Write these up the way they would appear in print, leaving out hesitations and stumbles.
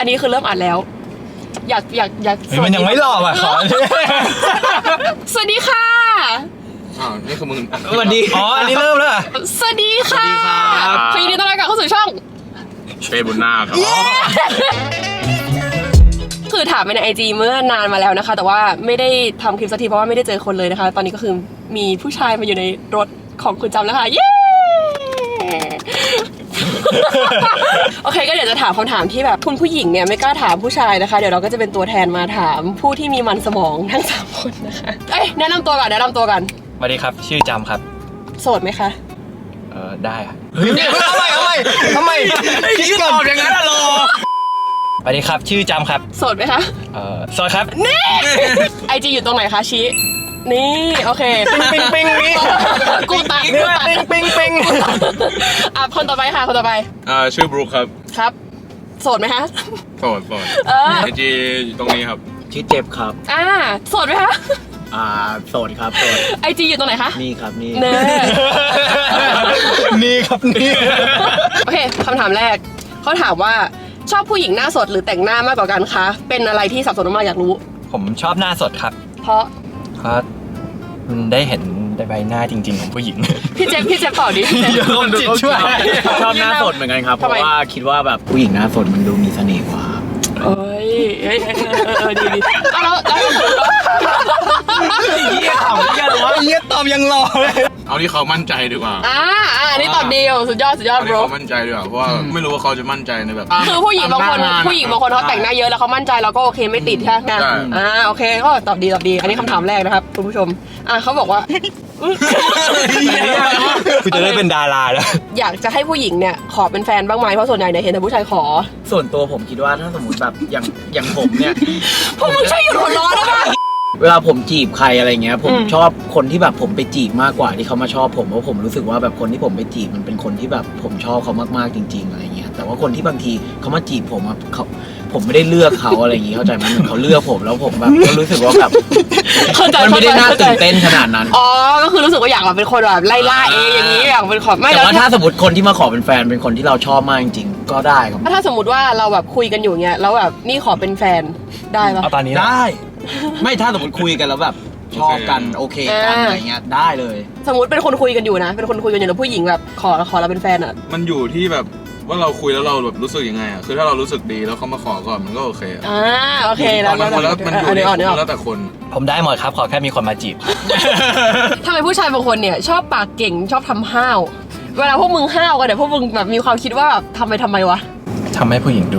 อันนี้คือเริ่มอ่านแล้ว อยากมันยังไม่หลอกอ่ะขอสวัสดีค่ะนี่คือมึงสวัสดีอ๋ออันนี้เริ่มแล้วสวัสดีค่ะขอยินดีต้อนรับเข้าสู่ช่องเฟซบุญนาครับคือถามไปใน IG เมื่อนานมาแล้วนะคะแต่ว่าไม่ได้ทำคลิปสักทีเพราะว่าไม่ได้เจอคนเลยนะคะตอนนี้ก็คือมีผู้ชายมาอยู่ในรถของคุณจำแล้วค่ะเย้โอเคก็เดี๋ยวจะถามคำถามที่แบบคุณผู้หญิงเนี่ยไม่กล้าถามผู้ชายนะคะเดี๋ยวเราก็จะเป็นตัวแทนมาถามผู้ที่มีมันสมองทั้ง3คนนะคะแนะนำตัวก่อนสวัสดีครับชื่อจำครับโสดไหมคะได้ค่ะเฮ้ยทำไมคิดก่อนอย่างนั้นอะรอสวัสดีครับชื่อจำครับโสดไหมคะโสดครับนี่ IG อยู่ตรงไหนคะชี้นี่โอเคปิงนี่กูตัดปิงคนต่อไปค่ะคนต่อไปชื่อบรูคครับโสดไหมคะโสดไอจีอยู่ตรงนี้ครับชื่อเจ็บครับโสดไหมคะโสดครับโสด IG อยู่ตรงไหนคะนี่ครับนี่นี่ครับนี่โอเคคำถามแรกเขาถามว่าชอบผู้หญิงหน้าสดหรือแต่งหน้ามากกว่ากันคะเป็นอะไรที่สับสนมากอยากรู้ผมชอบหน้าสดครับเพราะมันได้เห็นใบหน้าจริงๆของผู้หญิงพี่เจฟต่อดิคนจิตช่วยชอบหน้าสดเหมือนกันครับเพราะว่าคิดว่าแบบผู้หญิงหน้าสดมันดูมีเสน่ห์กว่าเอ้ยดีแล้วเยี่ยมเยี่ยตอบยังรอเลยเอาที่เขามั่นใจดีกว่าอันนี้ตอบดีสุดยอดโบรเขามั่นใจดีกว่าเพราะว่าไม่รู้ว่าเขาจะมั่นใจในแบบคือผู้หญิงบางคนเขาแต่งหน้าเยอะแล้วเขามั่นใจเราก็โอเคไม่ติดใช่ไหมโอเคก็ตอบดีอันนี้คำถามแรกนะครับคุณผู้ชมเขาบอกว่าคุณจะได้เป็นดาราแล้วอยากจะให้ผู้หญิงเนี่ยขอเป็นแฟนบ้างไหมเพราะส่วนใหญ่เนี่ยเห็นแต่ผู้ชายขอส่วนตัวผมคิดว่าถ้าสมมติแบบอย่างผมเนี่ยพวกมึงช่วยหยุดหัวร้อนได้ไหมเวลาผมจีบใครอะไรเงี้ยผมชอบคนที่แบบผมไปจีบมากกว่าที่เขามาชอบผมเพราะผมรู้สึกว่าแบบคนที่ผมไปจีบมันเป็นคนที่แบบผมชอบเขามากๆจริงๆอะไรเงี้ยแต่ว่าคนที่บางทีเขามาจีบผมผมไม่ได้เลือกเขาอะไรอย่างงี้เข้าใจไหมเขาเลือกผมแล้วผมแบบก็รู้สึกว่าแบบมันไม่ได้น่าตื่นเต้นขนาดนั้นก็คือรู้สึกว่าอยากแบบเป็นคนแบบไล่ล่าเองอย่างนี้อยากเป็นขอไม่แต่ว่าถ้าสมมติคนที่มาขอเป็นแฟนเป็นคนที่เราชอบมากจริงๆก็ได้ครับถ้าสมมติว่าเราแบบคุยกันอยู่เงี้ยแล้วแบบนี่ขอเป็นแฟนได้ปะตอนนี้ได้ไม่ถ้าสมมติคุยกันแล้วแบบชอบกันโอเคกันอะไรเงี้ยได้เลยสมมติเป็นคนคุยกันอยู่นะเป็นคนคุยกันอยู่แล้วผู้หญิงแบบขอเราเป็นแฟนมันอยู่ที่แบบว่าเราคุยแล้วเราแบบรู้สึกยังไงคือถ้าเรารู้สึกดีแล้วเขามาขอก่อนมันก็โอเคโอเคแล้วมันอยู่แล้วแต่คนผมได้หมดครับขอแค่มีคนมาจีบทำไมผู้ชายบางคนเนี่ยชอบปากเก่งชอบทำห้าวเวลาพวกมึงห้าวกันเนี่ยพวกมึงแบบมีความคิดว่าแบบทำไมวะทำให้ผู้หญิงดู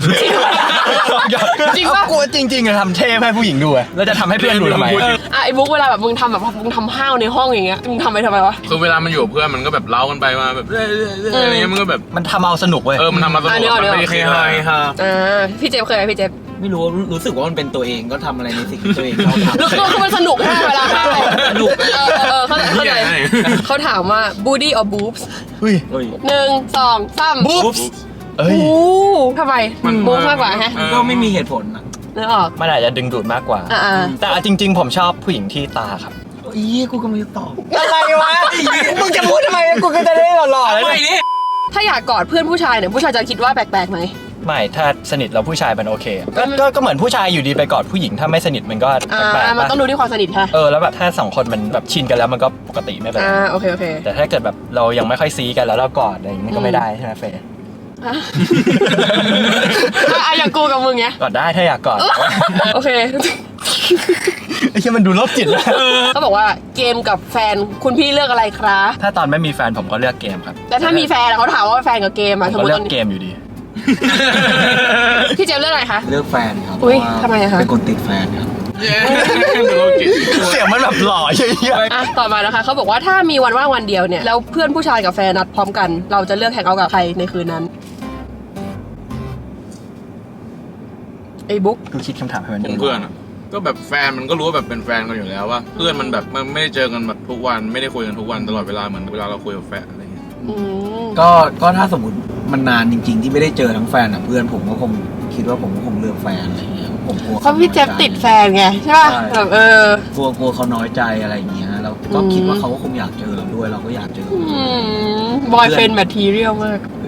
จริงป่ะกลัวจริงๆอะทำเท่ให้ผู้หญิงดูอะแล้วจะทำให้เพื่อนดูทำไมไอ้บุ๊กเวลาแบบมึงทำห้าวในห้องอย่างเงี้ยมึงทำไมวะคือเวลามันอยู่กับเพื่อนมันก็แบบเล้ากันไปมาแบบอะไรเงี้ยมันก็แบบมันทำเอาสนุกเว้ยมันทำมาสนุกมันไม่ได้เคยพี่เจฟเคยไหมพี่เจฟไม่รู้สึกว่ามันเป็นตัวเองก็ทำอะไรในสิ่งที่ตัวเองชอบทำคือมันสนุกมากเวลาห้าวสนุกเข้าใจเขาถามว่า booty or boobs 1 2 3 boobs ทำไมบู๊มากกว่าฮะก็ไม่มีเหตุผลนะนึกออกมันอาจจะดึงดูดมากกว่าแต่จริงๆผมชอบผู้หญิงที่ตาครับกูก็ไม่ตอบอะไรวะมึงจะพูดทำไมกูก็จะได้หล่อๆแล้วนี่ถ้าอยากกอดเพื่อนผู้ชายเนี่ยผู้ชายจะคิดว่าแปลกๆไหมไม่ถ้าสนิทแล้วผู้ชายมันโอเคก็เหมือนผู้ชายอยู่ดีไปกอดผู้หญิงถ้าไม่สนิทมันก็แปลกมันต้องดูที่ความสนิทค่ะแล้วแบบถ้า2คนมันแบบชินกันแล้วมันก็ปกติไม่เป็นไรโอเคแต่ถ้าเกิดแบบเรายังไม่ค่อยซีกันแล้วเรากอดอะไรอย่างนี้ก็ไม่ได้ใช่ไหมเฟย์อย่างกูกับมึงเนี้ยกอดได้ถ้าอยากกอดโอเคไอ้เหี้ยมันดูลบจิตแล้วเขาบอกว่าเกมกับแฟนคุณพี่เลือกอะไรครับถ้าตอนไม่มีแฟนผมก็เลือกเกมครับแต่ถ้ามีแฟนเขาถามว่าแฟนกับเกมผมก็เลือกเกมอยู่ดีพี่เจมเลือกอะไรคะเลือกแฟนครับทำไมคะเป็นคนติดแฟนครับเสียงมันแบบหล่อเยอะต่อมานะคะเขาบอกว่าถ้ามีวันว่างวันเดียวเนี่ยแล้วเพื่อนผู้ชายกับแฟนนัดพร้อมกันเราจะเลือกแฮงเอาท์กับใครในคืนนั้นไอ้บุ๊กกูคิดคำถามให้มันเพื่อนก็แบบแฟนมันก็รู้ว่าแบบเป็นแฟนกันอยู่แล้วว่าเพื่อนมันแบบมันไม่ได้เจอกันแบบทุกวันไม่ได้คุยกันทุกวันตลอดเวลาเหมือนเวลาเราคุยกับแฟนอะไรเงี้ยก็ถ้าสมมติมันนานจริงๆที่ไม่ได้เจอทั้งแฟนกับเพื่อนผมก็คงคิดว่าผมก็คงเลือกแฟนอะไรเงี้ยผมกลัวเขาพี่เจฟติดแฟนไงใช่ป่ะแบบกลัวเขาน้อยใจอะไรเงี้ยเราก็คิดว่าเขาก็คงอยากเจอเราด้วยเราก็อยากเจอบอยเฟรนด์แมททีเรียลมาก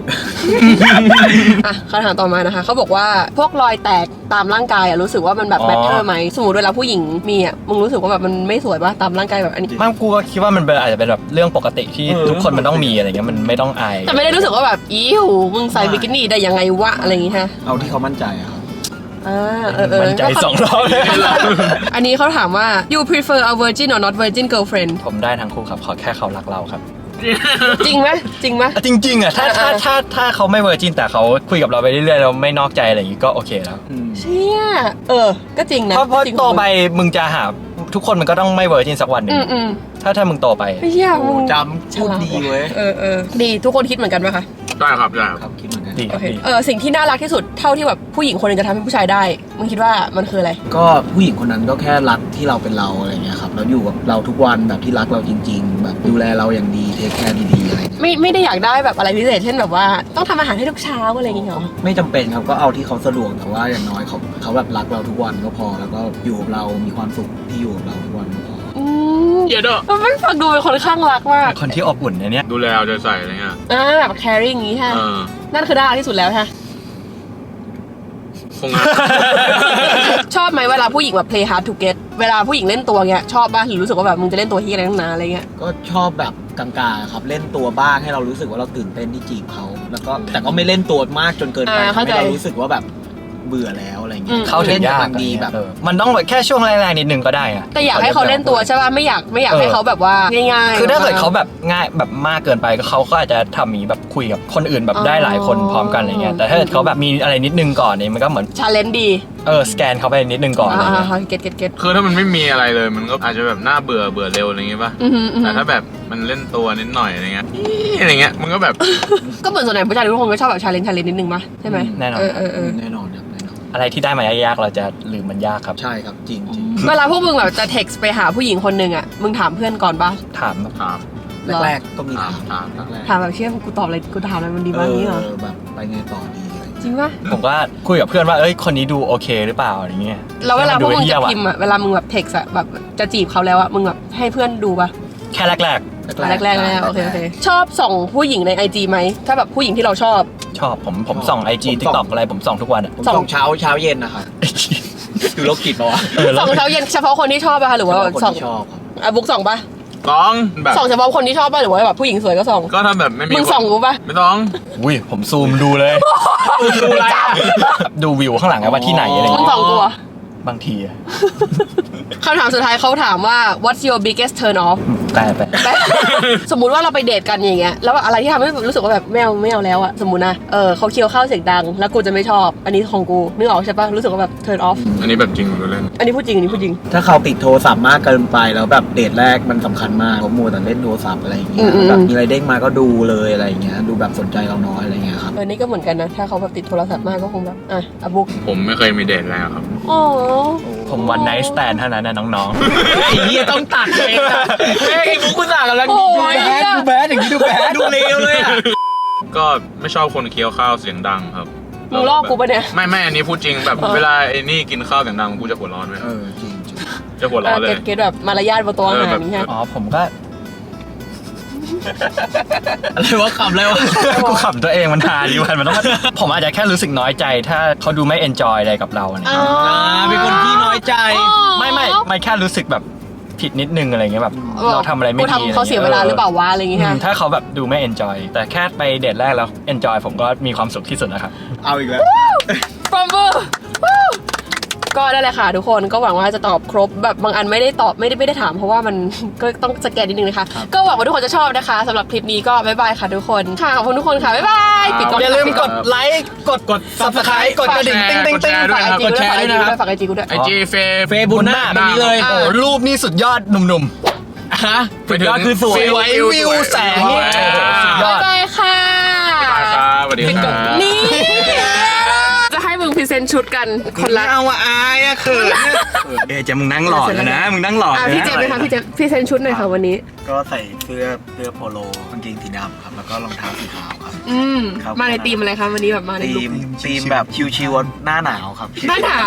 อ่ะคำถามต่อมานะคะเขาบอกว่าพวกรอยแตกตามร่างกายรู้สึกว่ามันแบบแมทเทอร์ไหมสมมติเวลาผู้หญิงมีมึงรู้สึกว่าแบบมันไม่สวยป่ะตามร่างกายแบบอันนี้ไม่กูก็คิดว่ามันเป็นอาจจะเป็นแบบเรื่องปกติที่ทุกคนมันต้องมีอะไรเงี้ยมันไม่ต้องอายแต่ไม่ได้รู้สึกว่าแบบอิ๋วมึงใส่บิกินี่ได้ยังไงวะอะไรอย่างงี้ฮะเอาที่เขามั่นใจอะครับมั่นใจ2 รอบเลยอันนี้เขาถามว่า you prefer a virgin or not virgin girlfriend ผมได้ทั้งคู่ครับขอแค่เขารักเราครับจริงไหมจริงไหมจริงๆอ่ะถ้าเขาไม่เวอร์จินแต่เขาคุยกับเราไปเรื่อยๆเราไม่นอกใจอะไรอย่างงี้ก็โอเคแล้วเชี่ยก็จริงนะเพราะจริงโตไปมึงจะหาทุกคนมันก็ต้องไม่เวอร์จินสักวันหนึ่งอืมถ้ามึงโตไปไม่เชี่ยมึงจำพูดดีเว้ยดีทุกคนคิดเหมือนกันไหมคะได้ครับได้คครับ รับคิดเหมือนกันดีคโอรับเคดีสิ่งที่น่ารักที่สุดเท่าที่แบบผู้หญิงคนหนึงจะทำให้ผู้ชายได้มึงคิดว่ามันคืออะไรก็ผู้หญิงคนนั้นก็แค่รักที่เราเป็นเราอะไรเงี้ยครับแล้วอยู่กับเราทุกวันแบบที่รักเราจริง ๆ แบบดูแลเราอย่างดีเทคแคร์ดีๆอะไรเงี้ยไม่ได้อยากได้แบบอะไรพิเศษเช่นแบบว่าต้องทำอาหารให้ทุกเช้าอะไรอย่างเงี้ยหรอไม่จำเป็นครับก็เอาที่เขาสะดวกแต่ว่าอย่างน้อยเขาแบบรักเราทุกวันก็พอแล้วก็อยู่กับเรามีความสุขที่อยู่กับเราทุกวันก็พอเยอะด้วยมันไม่ฟังดูเป็นคนข้างรักมากคนที่อบอุ่นเนี่ยดูแลเอาใจใส่อะไรเงี้ยแบบ caring อย่างงี้ใช่เออนั่นคือน่ารักที่สุดแล้วใช่คงงั้นชอบไหมเวลาผู้หญิงแบบ play hard to get เวลาผู้หญิงเล่นตัวเงี้ยชอบป่ะหรือรู้สึกว่าแบบมึงจะเล่นตัวที่อะไรตั้งนานอะไรเงี้ยก็ชอบแบบกลางๆครับเล่นตัวบ้างให้เรารู้สึกว่าเราตื่นเต้นที่จีบเขาแล้วก็แต่ก็ไม่เล่นตัวมากจนเกินไปทำให้เรารู้สึกว่าแบบเบื่อแล้วอะไรเงี้ยเข้าถึงยากล่นดีแบบมันต้องแบบแค่ช่วงแรกๆนิดนึงก็ได้อะแต่อยากให้เขาเล่นตัวใช่ป่ะไม่อยากให้เขาแบบว่าง่ายๆคือถ้าเกิดเขาแบบง่ายแบบมากเกินไปก็เขาก็อาจจะทำมีแบบคุยกับคนอื่นแบบได้หลายคนพร้อมกันอะไรเงี้ยแต่ถ้าเกิดเขาแบบมีอะไรนิดนึงก่อนเนี่ยมันก็เหมือน challenge ดีสแกนเขาไปนิดนึงก่อนอะไรเงี้ยเก็ตคือถ้ามันไม่มีอะไรเลยมันก็อาจจะแบบน่าเบื่อเร็วอะไรเงี้ยป่ะ แต่ถ้าแบบมันเล่นตัวนิดหน่อยอะไรเงี้ยอะไรเงี้ยมันก็แบบก็เหมือนส่วนใหญ่ผู้ชายทุกคนก็ชอบแบบ challenge นิดนึงป่ะใช่ไหมแน่นอนแน่นอนครับแน่นอนอะไรที่ได้มายากๆเราจะลืมมันยากครับใช่ครับจริงจริงเวลาพวกมึงแบบจะ text ไปหาผู้หญิงคนหนึ่งอ่ะมึงถามเพื่อนก่อนป่ะถามแบบถามแรกๆก็มีถามถามแรกๆถามแบบเชื่อกูตอบอะไรกูถามอะไรมันดีบ้างนี้เหรอแบบไปไงต่อดีอะไรจริงป่ะผมก็คุยกับเพื่อนว่าคนนี้ดูโอเคหรือเปล่าอะไรเงี้ยแล้วเวลาพวกมึงเหี้จะยว่พิมพ์อ่ะเวลามึงแบบ text อ่ะแบบจะจีบเขาแล้วอ่ะมึงแบบให้เพื่อนดูป่ะแค่แรกแรกๆโอเคชอบส่องผู้หญิงใน IG ไหมถ้าแบบผู้หญิงที่เราชอบๆชอบผมส่อง IG TikTok อะไรผมส่องทุกวันอะผมส่งเช้าเย็นนะครับดูโรคจิตปะวะส่องเช้าเย็นเฉพาะคนที่ชอบป่ะคะหรือว่าคนส่องที่ชอบครับบุ๊กส่องป่ะต้องแบบส่องเฉพาะคนที่ชอบป่ะหรือว่าแบบผู้หญิงสวยก็ส่องก็ถ้าแบบไม่มีมึงส่องกูป่ะไม่ต้องอุ้ยผมซูมดูเลยดูอะไรอ่ะดูวิวข้างหลังอะว่าที่ไหนอะไรมึงเงี้ยส่องกูอะบางทีอะคำถามสุดท้ายเขาถามว่า what's your biggest turn off แต่ไปสมมุติว่าเราไปเดทกันอย่างเงี้ยแล้วอะไรที่ทำให้รู้สึกว่าแบบไม่เอาแล้วอะสมมุตินะเขาเคี้ยวข้าวเสียงดังแล้วกูจะไม่ชอบอันนี้ของกูนึกออกใช่ปะรู้สึกว่าแบบ turn off อันนี้แบบจริงหรือเล่นอันนี้พูดจริงอันนี้พูดจริงถ้าเขาติดโทรศัพท์มากเกินไปแล้วแบบเดทแรกมันสำคัญมากเขามัวแต่เล่นโทรศัพท์อะไรอย่างเงี้ยอืมแบบมีอะไรเด้งมาก็ดูเลยอะไรอย่างเงี้ยดูแบบสนใจเราน้อยอะไรอย่างเงี้ยครับนี่ก็เหมือนกันนะถ้าเขาแบบติดโทรศัพท์มากก็คงแบบอ่ะบุ๊กผมไม่เคยมีเดทแล้วครับอ๋อผมวันไนท์สแตนเท่านั้นนะน้องไอ้เหี้ยต้องตัดเองอะไอ้บุ๊กคุณสั่งกันแล้วโอ้ยดูแบดอย่างนี้ดูแบดดูเลวเลยอ่ะก็ไม่ชอบคนเคี้ยวข้าวเสียงดังครับมึงลอกกูปะเนี่ยไม่อันนี้พูดจริงแบบเวลาไอ้นี่กินข้าวเสียงดังกูจะหัวร้อนไหมจริงจะหัวร้อนเลยเก็ตแบบมารยาทบนโต๊ะอาหารนี่ฮะอ๋อผมก็อะไรวะขำอะไรวะกูขำตัวเองมันทาดีวันมันต้อง ผมอาจจะแค่รู้สึกน้อยใจถ้าเขาดูไม่เอนจอยอะไรกับเรานะเป็นคนที่น้อยใจไม่แค่รู้สึกแบบผิดนิดนึงอะไรเงี้ยแบบเราทำอะไรไม่ดีกูทำเขาเสียเวลาหรือเปล่าวะอะไรอย่างเงี้ยถ้าเขาแบบดูไม่เอนจอยแต่แค่ไปเดทแรกแล้วเอนจอยผมก็มีความสุขที่สุดนะครับเอาอีกแล้วปรบมือก็ได้เลยค่ะทุกคนก็หวังว่าจะตอบครบแบบบางอันไม่ได้ตอบไม่ได้ถามเพราะว่ามัน ก็ต้องสแกนนิดนึงนะคะก็หวังว่าทุกคนจะชอบนะคะสำหรับคลิปนี้ก็บ๊ายบายค่ะทุกคนค่ะขอบคุณทุกคนค่ะบ๊ายบายปิดกล้องอย่าลืมกดไลค์กด Subscribe กดกระดิ่งติ๊งติ๊งติ๊งฝากไอจีกดแชร์ด้วยนะครับฝากไอจีกูด้วยไอจีเฟเฟย์บุญหน้าแบบนี้เลยโอ้รูปนี่สุดยอดหนุ่มฮะสุดยอดคือสวยวิวแสงนี่สุดยอบ๊ายดบายค่ะบายครับสวัสดีครับนี่จะให้มึงพรีเซนต์ชุดกันคนละเอาอายอะเขินเจ๊มึงนั่งหล่อแล้วนะมึงนั่งหล่อพี่เจมส์ไหมคะพี่เจมส์พรีเซนต์ชุดหน่อยค่ะวันนี้ก็ใส่เสื้อโปโลกางเกงสีดำครับแล้วก็รองเท้าสีขาวครับ ครับมาในธีมอะไรคะวันนี้แบบมาในลุคทีมแบบชิวๆหน้าหนาวครับหน้าหนาว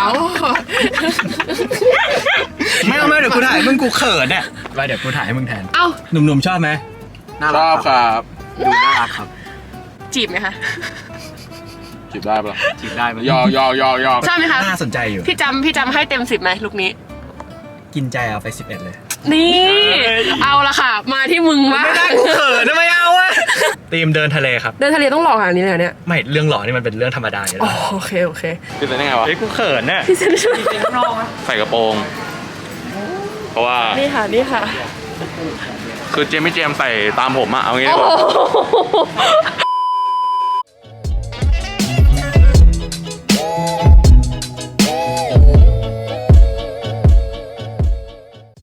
ไม่เดี๋ยวกูถ่ายมึงกูเขินเนี่ยไปเดี๋ยวกูถ่ายให้มึงแทนเอ้าหนุ่มๆชอบไหมน่าชรัอก บครับดูน่ารักครับจีบไหมคะจีบได้ปะจีบได้ไหมยอกชอบไหมคะน่าสนใจอยู่พี่จำให้เต็ม10ไหมลุคนี้กินใจเอาไป11เลยนี่ เอาละค่ะ มาที่มึงมากเขินทำไมเอาอะทีมเดินทะเลครับเดินทะเลต้องหล่อขนาดนี้เลยเหรอเนี่ยไม่เรื่องหล่อนี่มันเป็นเรื่องธรรมดาอยู่อ๋อแล้วโอเคโอเคคือเป็นยังไงวะเฮ้ยกูเขินน่ะพี่เซนช่วยใส่กระโปรง เพราะว่านี่ค่ะนี่ค่ะคือเจมี่เจมส์ใส่ตามผมอะเอางี้โอ้ดีกว่าโห